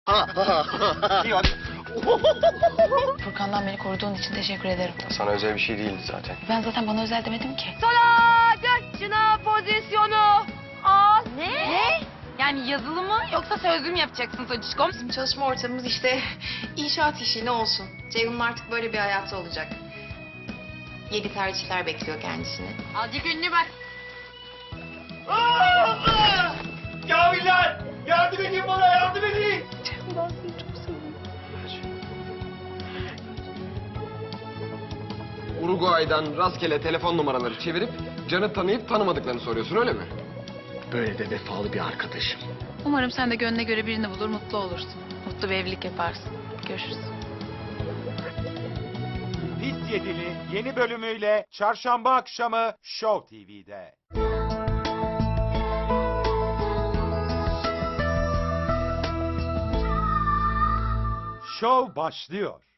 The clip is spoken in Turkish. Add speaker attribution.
Speaker 1: İyi hadi.
Speaker 2: Furkan'dan beni koruduğun için teşekkür ederim.
Speaker 3: Sana özel bir şey değildi zaten.
Speaker 2: Ben zaten bana özel demedim ki.
Speaker 4: Sola dön şına pozisyonu al.
Speaker 2: Ne? Yani yazılı mı yoksa sözlü mü yapacaksın Sacişkom?
Speaker 5: Bizim çalışma ortamımız işte inşaat işi ne olsun. Ceyhun'un artık böyle bir hayatı olacak. Yeni tercihler bekliyor kendisini.
Speaker 2: Azıcık ünlü bak.
Speaker 1: Kamiller! Yardım edin bana, yardım edin!
Speaker 3: Uruguay'dan rastgele telefon numaraları çevirip Can'ı tanıyıp tanımadıklarını soruyorsun öyle mi?
Speaker 1: Böyle de vefalı bir arkadaşım.
Speaker 2: Umarım sen de gönlüne göre birini bulur, mutlu olursun. Mutlu bir evlilik yaparsın. Görüşürüz.
Speaker 6: Pis Yedili yeni bölümüyle çarşamba akşamı Show TV'de. Show başlıyor.